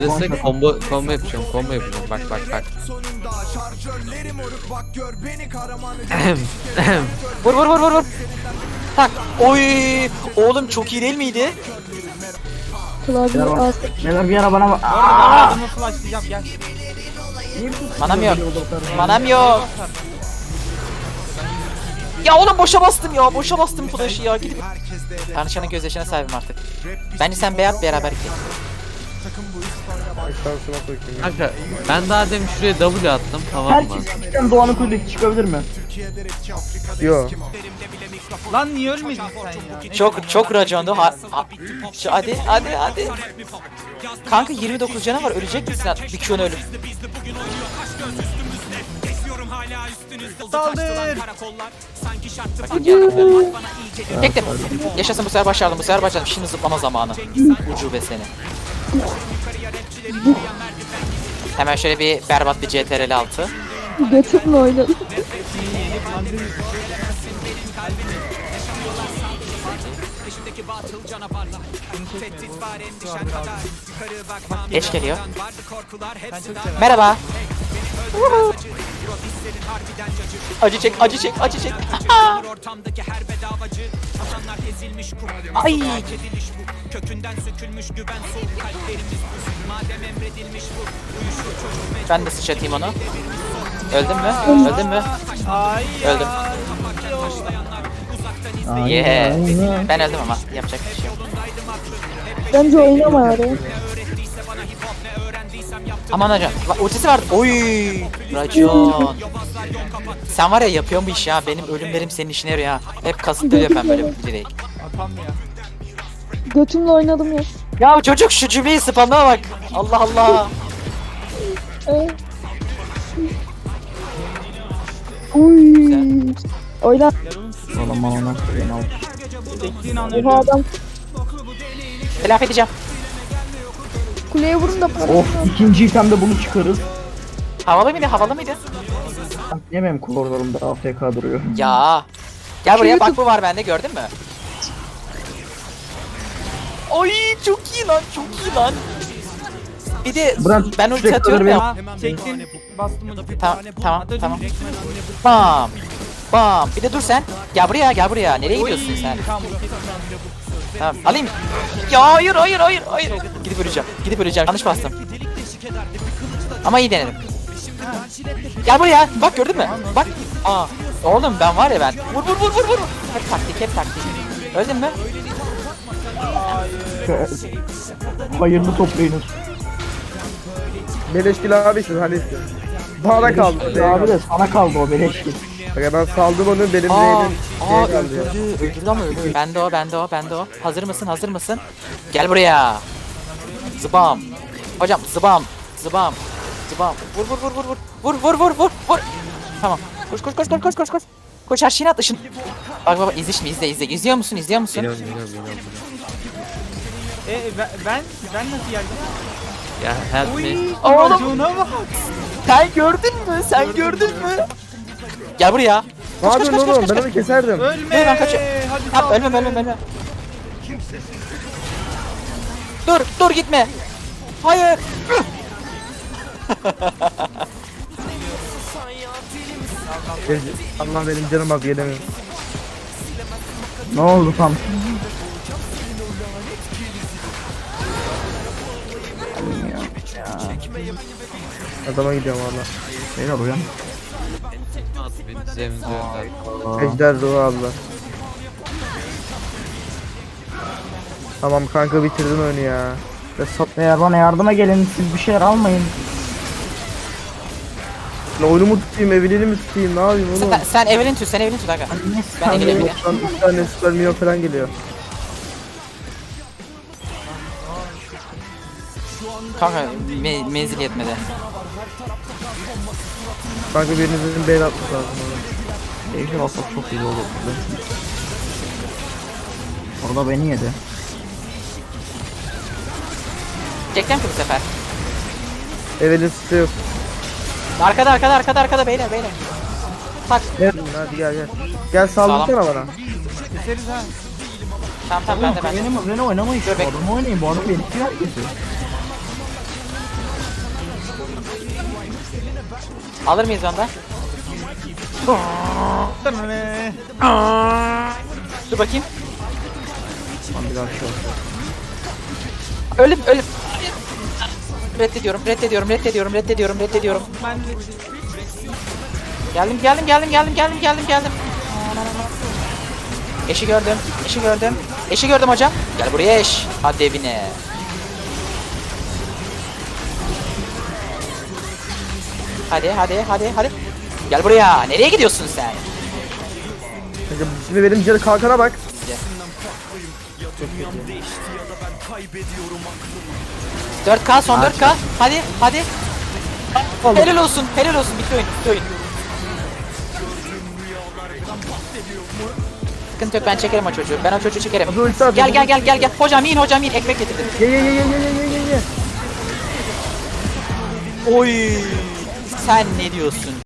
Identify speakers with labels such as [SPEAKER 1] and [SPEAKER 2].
[SPEAKER 1] Destek combo yapacağım, combo yapacağım. Bak bak bak.
[SPEAKER 2] Vur vur vur vur vur. Tak. Oy! Oğlum çok iyi değil miydi?
[SPEAKER 3] Klavye az.
[SPEAKER 4] Neler bir ara bana bak.
[SPEAKER 5] Adamı flashlayacağım gel.
[SPEAKER 2] Manam yok. Manam yok. Ya oğlum boşa bastım ya. Boşa bastım flash'ı ya. Gidip Tanrıçanın gözyaşına sahibim artık. Bence sen beyat beraber git.
[SPEAKER 1] Kanka ben daha demin şuraya W attım, tamam mı?
[SPEAKER 4] Herkes küçükten Doğan'ın kuyruğu çıkabilir mi?
[SPEAKER 6] Yo.
[SPEAKER 5] Lan niye ölmedin sen ya?
[SPEAKER 2] Çok racondu. Hadi. Kanka 29 canı var. Ölecek misin? Bir Q'nu ölüp.
[SPEAKER 5] Saldır.
[SPEAKER 2] Çektim. Yaşasın, bu sefer başardım. Bu sefer başardım. Şimdi zıplama zamanı. Ucube seni. Hemen şöyle bir berbat bir CTRL 6.
[SPEAKER 3] Götümle oynadım.
[SPEAKER 2] Geç geliyor. Merhaba. Acı çek. Ay. Ben de sıçratayım onu. Öldün mü?
[SPEAKER 5] Ay
[SPEAKER 2] Öldüm. Yeah. Ben öldüm ama yapacak bir şey yok.
[SPEAKER 3] Bence oynama araya.
[SPEAKER 2] Aman hocam. Ultisi var. Oy. Racon. Sen var ya, yapıyorsun bu işi ya. Benim ölümlerim senin işine yarıyor ha. Hep kasıtlı yapıyorum böyle bir değil.
[SPEAKER 5] atam ya.
[SPEAKER 3] Götümle oynadım ya.
[SPEAKER 2] Ya çocuk şu cümleyi spamına bak. Allah Allah.
[SPEAKER 3] Uy. Oyna.
[SPEAKER 4] Oğlum bana
[SPEAKER 5] Bekleyin an
[SPEAKER 3] Oha
[SPEAKER 5] ölüyorum.
[SPEAKER 3] adam.
[SPEAKER 2] Telafi edeceğim.
[SPEAKER 3] Kuleye vurun da para.
[SPEAKER 4] Of, ikinci itemde bunu çıkarız.
[SPEAKER 2] Havalı mıydı?
[SPEAKER 4] Niye benim koridorumda AFK duruyor?
[SPEAKER 2] Ya. Gel buraya,
[SPEAKER 3] YouTube-
[SPEAKER 2] bak bu var bende, gördün mü? Ay çok iyi lan. Bir de
[SPEAKER 4] Bırak,
[SPEAKER 2] ben ulti
[SPEAKER 4] sürekli
[SPEAKER 2] atıyorum ya.
[SPEAKER 5] Ha, çektin. Bastım onu.
[SPEAKER 2] Tamam.
[SPEAKER 5] Atacağım.
[SPEAKER 2] Bam. Bir de dur sen. Gel buraya. Nereye gidiyorsun sen?
[SPEAKER 5] Tamam.
[SPEAKER 2] Tamam. Alayım. Ya hayır. Gidip öleceğim. Yanlış bastım. Ama iyi denedim. Gel buraya. Bak, gördün mü? Bak. Aa. Oğlum ben var ya ben. Vur. Hep taktik. Öldün mü?
[SPEAKER 4] Hayırlı toplayınız.
[SPEAKER 6] Beleşkili abisiz hani. Bana kaldı.
[SPEAKER 4] Abi de sana kaldı o beleşki.
[SPEAKER 6] Bak ben saldım onu, benim de elim kaldı ya.
[SPEAKER 2] öldürdü ama öldü. Bende o. Hazır mısın? Gel buraya. Zıbam. Hocam zıbam. Vur. Tamam. Koş. Koş, her şeyini at ışın. Bak izle şimdi, izle. İzliyor musun?
[SPEAKER 1] Biliyorum.
[SPEAKER 5] Ben nasıl geldim?
[SPEAKER 1] Ya help me.
[SPEAKER 2] Oğlum.
[SPEAKER 5] Racona bak.
[SPEAKER 2] Sen gördün mü? Gel buraya.
[SPEAKER 6] Ne yapıyorsun oğlum? Ben onu keserdim.
[SPEAKER 5] Ölme.
[SPEAKER 2] Ben kaçıyorum.
[SPEAKER 5] Hadi
[SPEAKER 2] Tamam,
[SPEAKER 5] sal.
[SPEAKER 2] ölme. Dur gitme. Hayır.
[SPEAKER 6] Allah benim canım az gelemiyorum.
[SPEAKER 4] Ne oldu tam?
[SPEAKER 6] Adama gidiyorum valla.
[SPEAKER 4] Beyler uyan.
[SPEAKER 1] Benim zemzem önden.
[SPEAKER 6] Ejder ruhu Allah. Tamam kanka, bitirdin oyunu ya. Ve
[SPEAKER 4] Eğer bana yardıma gelin, siz bir şeyler almayın.
[SPEAKER 6] oyunumu tutayım, Evelyn'i mi tutayım, ne yapayım oğlum?
[SPEAKER 2] Sen Evelyn tut aga. Ben Evelyn'im ya.
[SPEAKER 6] Şu an 3 tane süper milyon falan geliyor.
[SPEAKER 2] Kanka menzil yetmedi.
[SPEAKER 6] Kanka birinizin beyni atması lazım oğlum.
[SPEAKER 4] Ejder alsak çok iyi olur. Orada beni yedi.
[SPEAKER 2] Çekeceğim ki bu sefer.
[SPEAKER 6] Evelyn site yok.
[SPEAKER 2] Arkada beyler. Tak.
[SPEAKER 6] Gel hadi gel. Gel saldırsana bana.
[SPEAKER 5] Keseriz ha.
[SPEAKER 2] Tamam ben de.
[SPEAKER 4] Beni oynamayın.
[SPEAKER 2] Dur,
[SPEAKER 4] Bu adamı oynayın. Bu adam beni herkesi.
[SPEAKER 2] Alır mıyız onda? Dur bakayım.
[SPEAKER 4] Lan bir dakika.
[SPEAKER 2] Ölüm. Reddediyorum.
[SPEAKER 5] Ben de
[SPEAKER 2] Geldim. Eşi gördüm hocam. Gel buraya eş. Hadi evine. Hadi. Gel buraya. Nereye gidiyorsun sen?
[SPEAKER 6] Kanka şimdi benim canı kalkana bak.
[SPEAKER 2] 4K son 4K. Hadi. Helal olsun. Bitti oyun. Sıkıntı yok, ben çekerim o çocuğu. Ben o çocuğu çekerim.
[SPEAKER 6] Hadi ulti at.
[SPEAKER 2] Gel. Hocam in. Ekmek getirdim.
[SPEAKER 6] Ye.
[SPEAKER 2] Oy. Sen ne diyorsun?